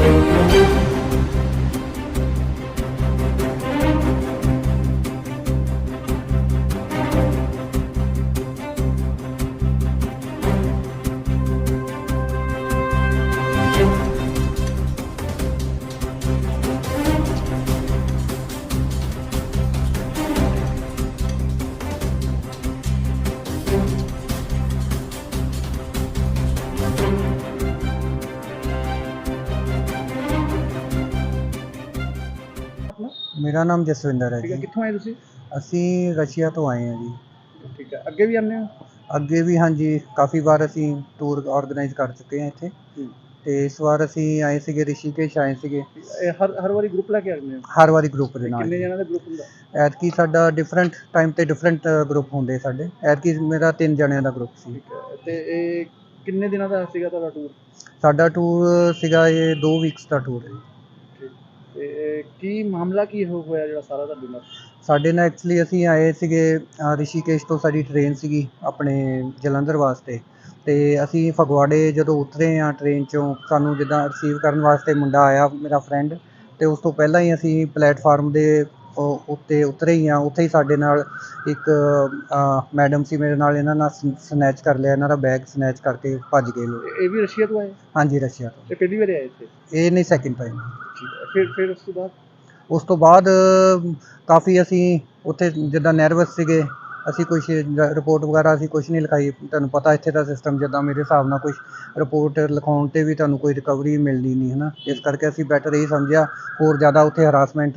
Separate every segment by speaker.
Speaker 1: मेरा नाम जसविंदर है
Speaker 2: ठीक है,
Speaker 1: जी।
Speaker 2: कित्थों आए तुसीं?
Speaker 1: ਅਸੀਂ ਰਸ਼ੀਆ ਤੋਂ ਆਏ ਹਾਂ ਜੀ।
Speaker 2: ठीक है, ਅੱਗੇ ਵੀ ਆਉਂਦੇ ਹੋ?
Speaker 1: ਅੱਗੇ ਵੀ ਹਾਂਜੀ ਕਾਫੀ ਵਾਰ ਅਸੀਂ ਟੂਰ ਆਰਗੇਨਾਈਜ਼ ਕਰ ਚੁੱਕੇ ਹਾਂ ਇੱਥੇ, ਤੇ ਇਸ ਵਾਰ ਅਸੀਂ ਆਏ ਸੀਗੇ ਰਿਸ਼ੀਕੇਸ਼ ਆਏ ਸੀਗੇ।
Speaker 2: ਇਹ ਹਰ ਵਾਰੀ ਗਰੁੱਪ ਲੈ ਕੇ ਆਉਂਦੇ ਹੋ?
Speaker 1: ਹਰ ਵਾਰੀ ਗਰੁੱਪ ਦੇ ਨਾਲ।
Speaker 2: ਕਿੰਨੇ ਜਣਾਂ ਦਾ ਗਰੁੱਪ ਹੁੰਦਾ?
Speaker 1: ਐਤਕੀ ਸਾਡਾ ਡਿਫਰੈਂਟ ਟਾਈਮ ਤੇ ਡਿਫਰੈਂਟ ਗਰੁੱਪ ਹੁੰਦੇ ਸਾਡੇ। ਐਤਕੀ ਮੇਰਾ 3 ਜਣਿਆਂ ਦਾ ਗਰੁੱਪ ਸੀ।
Speaker 2: ਠੀਕ ਹੈ, ਤੇ ਇਹ ਕਿੰਨੇ ਦਿਨਾਂ ਦਾ ਸੀਗਾ ਤੁਹਾਡਾ ਟੂਰ?
Speaker 1: ਸਾਡਾ ਟੂਰ ਸੀਗਾ ਇਹ 2 ਵੀਕਸ ਦਾ ਟੂਰ ਹੈ।
Speaker 2: ਤੇ ਕੀ ਮਾਮਲਾ ਕੀ ਹੋਇਆ ਜਿਹੜਾ ਸਾਰਾ ਤੁਹਾਡੇ ਨਾਲ? ਸਾਡੇ
Speaker 1: ਨਾਲ ਐਕਚੁਅਲੀ ਅਸੀਂ ਆਏ ਸੀਗੇ ਰਿਸ਼ੀਕੇਸ਼ ਤੋਂ, ਸਾਡੀ ਟ੍ਰੇਨ ਸੀਗੀ ਆਪਣੇ ਜਲੰਧਰ ਵਾਸਤੇ, ਤੇ ਅਸੀਂ ਫਗਵਾੜੇ ਜਦੋਂ ਉਤਰੇ ਹਾਂ ਟ੍ਰੇਨ 'ਚੋਂ, ਸਾਨੂੰ ਜਿੱਦਾਂ ਰਿਸੀਵ ਕਰਨ ਵਾਸਤੇ ਮੁੰਡਾ ਆਇਆ ਮੇਰਾ ਫਰੈਂਡ, ਤੇ ਉਸ ਤੋਂ ਪਹਿਲਾਂ ਹੀ ਅਸੀਂ ਪਲੇਟਫਾਰਮ ਦੇ ਉੱਤੇ ਉਤਰੇ ਹੀ ਹਾਂ। ਉੱਥੇ ਹੀ ਸਾਡੇ ਨਾਲ ਇੱਕ ਮੈਡਮ ਸੀ ਮੇਰੇ ਨਾਲ, ਇਹਨਾਂ ਨਾਲ ਸਨੈਚ ਕਰ ਲਿਆ, ਇਹਨਾਂ ਦਾ ਬੈਗ ਸਨੈਚ ਕਰਕੇ ਭੱਜ ਗਏ ਲੋਕ।
Speaker 2: ਇਹ ਵੀ ਰਸ਼ੀਆ ਤੋਂ ਆਏ?
Speaker 1: ਹਾਂਜੀ, ਰਸ਼ੀਆ ਤੋਂ।
Speaker 2: ਇਹ ਪਹਿਲੀ ਵਾਰ ਆਏ ਇੱਥੇ? ਇਹ
Speaker 1: ਨਹੀਂ, ਸੈਕਿੰਡ ਟਾਈਮ।
Speaker 2: ਫਿਰ ਉਸ
Speaker 1: ਤੋਂ ਬਾਅਦ ਕਾਫੀ ਅਸੀਂ ਉੱਥੇ ਜਿੱਦਾਂ ਨਰਵਸ ਸੀਗੇ, ਅਸੀਂ ਕੁਛ ਰਿਪੋਰਟ ਵਗੈਰਾ ਅਸੀਂ ਕੁਛ ਨਹੀਂ ਲਿਖਾਈ। ਤੁਹਾਨੂੰ ਪਤਾ ਇੱਥੇ ਦਾ ਸਿਸਟਮ ਜਿੱਦਾਂ ਮੇਰੇ ਹਿਸਾਬ ਨਾਲ ਕੁਛ ਰਿਪੋਰਟ ਲਿਖਾਉਣ 'ਤੇ ਵੀ ਤੁਹਾਨੂੰ ਕੋਈ ਰਿਕਵਰੀ ਮਿਲਦੀ ਨਹੀਂ ਹੈ ਨਾ। ਇਸ ਕਰਕੇ ਅਸੀਂ ਬੈਟਰ ਇਹ ਸਮਝਿਆ ਹੋਰ ਜ਼ਿਆਦਾ ਉੱਥੇ ਹਰਾਸਮੈਂਟ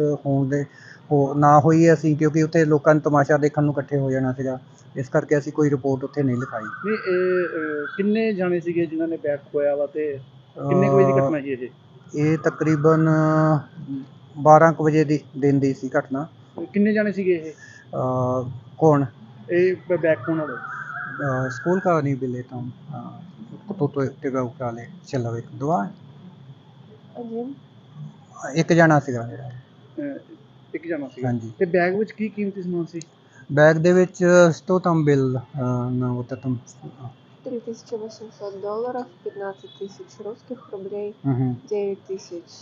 Speaker 1: ਨਾ ਹੋਈ ਅਸੀਂ, ਕਿਉਂਕਿ ਉੱਥੇ ਲੋਕਾਂ ਨੂੰ ਤਮਾਸ਼ਾ ਦੇਖਣ ਨੂੰ ਇਕੱਠੇ ਹੋ ਜਾਣਾ ਸੀਗਾ। ਇਸ ਕਰਕੇ ਅਸੀਂ ਕੋਈ ਰਿਪੋਰਟ ਉੱਥੇ ਨਹੀਂ ਲਿਖਾਈ।
Speaker 2: ਨਹੀਂ, ਇਹ ਕਿੰਨੇ ਜਾਣੇ ਸੀਗੇ ਜਿਨ੍ਹਾਂ ਨੇ ਬੈਗ ਖੋਇਆ ਵਾ, ਤੇ ਕਿੰਨੇ ਵਜੇ ਦੀ ਘਟਨਾ ਸੀ
Speaker 1: ਇਹ ਤਕਰੀਬਨ 12 ਕੁ ਵਜੇ ਦੀ ਦਿਨ ਦੀ ਸੀ ਘਟਨਾ।
Speaker 2: ਕਿੰਨੇ ਜਾਣੇ ਸੀਗੇ ਇਹ?
Speaker 1: कौन?
Speaker 2: बैग कौन वाले?
Speaker 1: स्कूल का नहीं भी लेता हूँ तो तेरा उठा ले चलो एक दुआ एक जना ਸੀਗਾ ਮੇਰਾ।
Speaker 2: ਇੱਕ ਜਣਾ ਸੀਗਾ?
Speaker 1: ਹਾਂਜੀ।
Speaker 2: ਤੇ ਬੈਗ ਵਿੱਚ ਕੀ ਕੀਮਤੀ ਸਮਾਨ ਸੀ?
Speaker 1: ਬੈਗ ਦੇ ਵਿੱਚ что там был на вот этом
Speaker 3: $3800, 15 тысяч русских рублей, 9 тысяч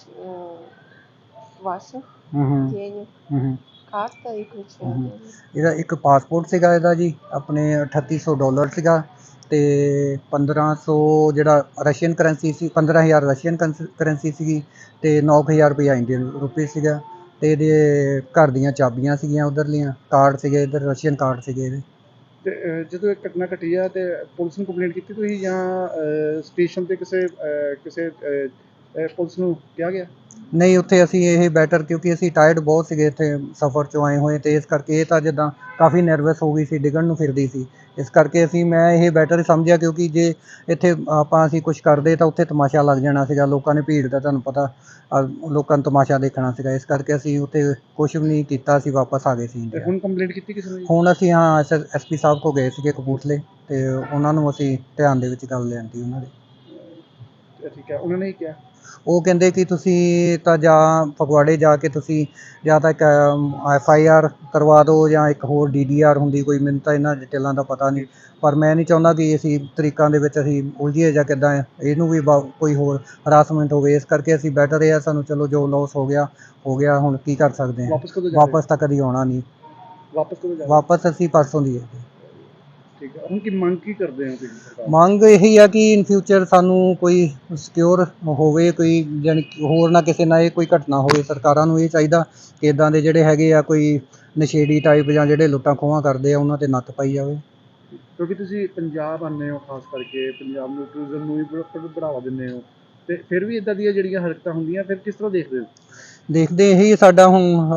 Speaker 3: ваших денег, карта и ключи।
Speaker 1: ਇਹਦਾ ਇੱਕ ਪਾਸਪੋਰਟ ਸੀਗਾ ਇਹਦਾ ਜੀ, ਆਪਣੇ $3800 ਸੀਗਾ, ਤੇ 1500 ਜਿਹੜਾ ਰਸ਼ੀਅਨ ਕਰੰਸੀ ਸੀ, 15000 ਰਸ਼ੀਅਨ ਕਰੰਸੀ ਸੀਗੀ, ਤੇ 9000 ਰੁਪਇਆ ਇੰਡੀਅਨ ਰੁਪਏ ਸੀਗਾ, ਤੇ ਇਹਦੇ ਘਰ ਦੀਆਂ ਚਾਬੀਆਂ ਸੀਗੀਆਂ ਉਧਰਲੀਆਂ, ਕਾਰਡ ਸੀਗੇ ਇੱਧਰ ਰਸ਼ੀਅਨ ਕਾਰਡ ਸੀਗੇ ਇਹਦੇ।
Speaker 2: ਤੇ ਜਦੋਂ ਇਹ ਘਟਨਾ ਘਟੀ ਆ ਤੇ ਪੁਲਿਸ ਨੂੰ ਕੰਪਲੇਂਟ ਕੀਤੀ ਤੁਸੀਂ ਜਾਂ ਸਟੇਸ਼ਨ ਤੇ ਕਿਸੇ ਪੁਲਿਸ ਨੂੰ ਕਿਹਾ ਗਿਆ?
Speaker 1: ਨਹੀਂ, ਉੱਥੇ ਅਸੀਂ ਇਹ ਬੈਟਰ, ਕਿਉਂਕਿ ਅਸੀਂ ਟਾਇਰਡ ਬਹੁਤ ਸੀਗੇ ਇੱਥੇ ਸਫ਼ਰ 'ਚੋਂ ਆਏ ਹੋਏ, ਤੇ ਇਸ ਕਰਕੇ ਇਹ ਤਾਂ ਜਿੱਦਾਂ ਕਾਫੀ ਨਰਵਸ ਹੋ ਗਈ ਸੀ, ਡਿੱਗਣ ਨੂੰ ਫਿਰਦੀ ਸੀ। ਇਸ ਕਰਕੇ ਮੈਂ ਇਹ ਬੈਟਰ ਸਮਝਿਆ, ਕਿਉਂਕਿ ਜੇ ਇੱਥੇ ਅਸੀਂ ਕੁਛ ਕਰਦੇ ਤਾਂ ਉੱਥੇ ਤਮਾਸ਼ਾ ਲੱਗ ਜਾਣਾ ਸੀਗਾ, ਲੋਕਾਂ ਨੇ ਭੀੜ ਦਾ ਤੁਹਾਨੂੰ ਪਤਾ, ਲੋਕਾਂ ਨੂੰ ਤਮਾਸ਼ਾ ਦੇਖਣਾ ਸੀਗਾ। ਇਸ ਕਰਕੇ ਅਸੀਂ ਉੱਥੇ ਕੁਛ ਵੀ ਨਹੀਂ ਕੀਤਾ, ਅਸੀਂ ਵਾਪਸ ਆ ਗਏ ਸੀ ਇੰਡੀਆ।
Speaker 2: ਹੁਣ ਕੰਪਲੇਂਟ ਕੀਤੀ ਕਿਸੇ ਨੂੰ?
Speaker 1: ਹੁਣ ਅਸੀਂ SP ਸਾਹਿਬ ਕੋਲ ਗਏ ਸੀਗੇ ਕਪੂਰਥਲੇ, ਤੇ ਉਹਨਾਂ ਨੂੰ ਅਸੀਂ ਧਿਆਨ ਦੇ ਵਿੱਚ ਗੱਲ ਲਿਆਂਦੀ ਉਹਨਾਂ ਦੇ।
Speaker 2: ਠੀਕ ਹੈ, ਉਹਨਾਂ ਨੇ ਕੀ ਕਿਹਾ?
Speaker 1: ਉਹ ਕਹਿੰਦੇ ਕਿ ਤੁਸੀਂ ਤਾਂ ਜਾਂ ਫਗਵਾੜੇ ਜਾ ਕੇ ਤੁਸੀਂ ਜਾਂ ਤਾਂ ਇੱਕ FIR ਕਰਵਾ ਦਿਓ, ਜਾਂ ਇੱਕ ਹੋਰ DDR ਹੁੰਦੀ ਕੋਈ, ਮੈਨੂੰ ਤਾਂ ਇਹਨਾਂ ਡਿਟੇਲਾਂ ਦਾ ਪਤਾ ਨਹੀਂ, ਪਰ ਮੈਂ ਨਹੀਂ ਚਾਹੁੰਦਾ ਕਿ ਅਸੀਂ ਤਰੀਕਾਂ ਦੇ ਵਿੱਚ ਅਸੀਂ ਉਲਝੀਏ ਜਾਂ ਕਿੱਦਾਂ ਇਹਨੂੰ ਵੀ ਕੋਈ ਹੋਰ ਹਰਾਸਮੈਂਟ ਹੋਵੇ। ਇਸ ਕਰਕੇ ਅਸੀਂ ਬੈਟਰ ਇਹ ਆ, ਸਾਨੂੰ ਚਲੋ ਜੋ ਲੋਸ ਹੋ ਗਿਆ, ਹੁਣ ਕੀ ਕਰ ਸਕਦੇ ਹਾਂ। ਵਾਪਸ ਤਾਂ ਕਦੀ ਆਉਣਾ ਨਹੀਂ। ਵਾਪਸ ਅਸੀਂ ਪਰਸੋਂ ਦੀ ਹੈ।
Speaker 2: ਠੀਕ ਹੈ, ਹੁਣ ਕੀ ਮੰਗ ਕੀ ਕਰਦੇ ਹੋ ਤੁਸੀਂ?
Speaker 1: ਮੰਗ ਇਹੀ ਆ ਕਿ ਇਨ ਫਿਊਚਰ ਸਾਨੂੰ ਕੋਈ ਸਿਕਿਉਰ ਹੋਵੇ, ਕੋਈ ਜਾਣੀ ਹੋਰ ਨਾ ਕਿਸੇ ਨਾਲ ਇਹ ਕੋਈ ਘਟਨਾ ਹੋਵੇ। ਸਰਕਾਰਾਂ ਨੂੰ ਇਹ ਚਾਹੀਦਾ ਕਿ ਇੱਦਾਂ ਦੇ ਜਿਹੜੇ ਹੈਗੇ ਆ ਕੋਈ ਨਸ਼ੇੜੀ ਟਾਈਪ ਜਾਂ ਜਿਹੜੇ ਲੁੱਟਾਂ ਖੋਹਾਂ ਕਰਦੇ ਆ, ਉਹਨਾਂ 'ਤੇ ਨੱਥ ਪਾਈ ਜਾਵੇ।
Speaker 2: ਕਿਉਂਕਿ ਤੁਸੀਂ ਪੰਜਾਬ ਆਉਂਦੇ ਹੋ, ਖਾਸ ਕਰਕੇ ਪੰਜਾਬ ਨੂੰ ਟੂਰਿਜ਼ਮ ਨੂੰ ਵੀ ਬੜਾਵਾ ਦਿੰਦੇ ਹੋ, ਤੇ ਫਿਰ ਵੀ ਇੱਦਾਂ ਦੀਆਂ ਜਿਹੜੀਆਂ ਹਰਕਤਾਂ ਹੁੰਦੀਆਂ ਫਿਰ ਕਿਸ ਤਰ੍ਹਾਂ ਦੇਖਦੇ ਹੋ?
Speaker 1: ਦੇਖਦੇ ਇਹੀ ਸਾਡਾ ਹੁਣ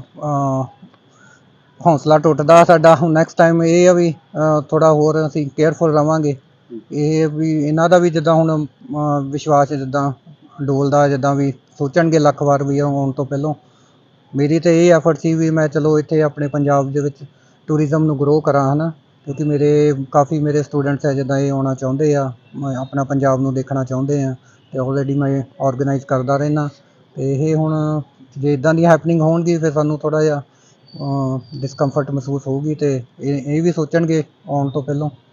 Speaker 1: ਹੌਸਲਾ ਟੁੱਟਦਾ ਸਾਡਾ। ਹੁਣ ਨੈਕਸਟ ਟਾਈਮ ਇਹ ਆ ਵੀ ਥੋੜ੍ਹਾ ਹੋਰ ਅਸੀਂ ਕੇਅਰਫੁਲ ਰਹਾਂਗੇ। ਇਹ ਵੀ ਇਹਨਾਂ ਦਾ ਵੀ ਜਿੱਦਾਂ ਹੁਣ ਵਿਸ਼ਵਾਸ ਜਿੱਦਾਂ ਡੋਲਦਾ, ਜਿੱਦਾਂ ਵੀ ਸੋਚਣਗੇ ਲੱਖ ਵਾਰ ਵੀ ਆਉਣ ਤੋਂ ਪਹਿਲਾਂ। ਮੇਰੀ ਤਾਂ ਇਹ ਐਫਰਟ ਸੀ ਵੀ ਮੈਂ ਚਲੋ ਇੱਥੇ ਆਪਣੇ ਪੰਜਾਬ ਦੇ ਵਿੱਚ ਟੂਰਿਜ਼ਮ ਨੂੰ ਗਰੋ ਕਰਾਂ, ਹੈ ਨਾ, ਕਿਉਂਕਿ ਕਾਫੀ ਮੇਰੇ ਸਟੂਡੈਂਟਸ ਹੈ ਜਿੱਦਾਂ ਇਹ ਆਉਣਾ ਚਾਹੁੰਦੇ ਆ, ਆਪਣਾ ਪੰਜਾਬ ਨੂੰ ਦੇਖਣਾ ਚਾਹੁੰਦੇ ਆ, ਅਤੇ ਆਲਰੇਡੀ ਮੈਂ ਔਰਗਨਾਈਜ਼ ਕਰਦਾ ਰਹਿੰਦਾ। ਅਤੇ ਇਹ ਹੁਣ ਜੇ ਇੱਦਾਂ ਦੀਆਂ ਹੈਪਨਿੰਗ ਹੋਣਗੀ ਫਿਰ ਸਾਨੂੰ ਥੋੜ੍ਹਾ ਜਿਹਾ ਡਿਸਕੰਫਰਟ ਮਹਿਸੂਸ ਹੋਊਗੀ, ਅਤੇ ਇਹ ਵੀ ਸੋਚਣਗੇ ਆਉਣ ਤੋਂ ਪਹਿਲਾਂ।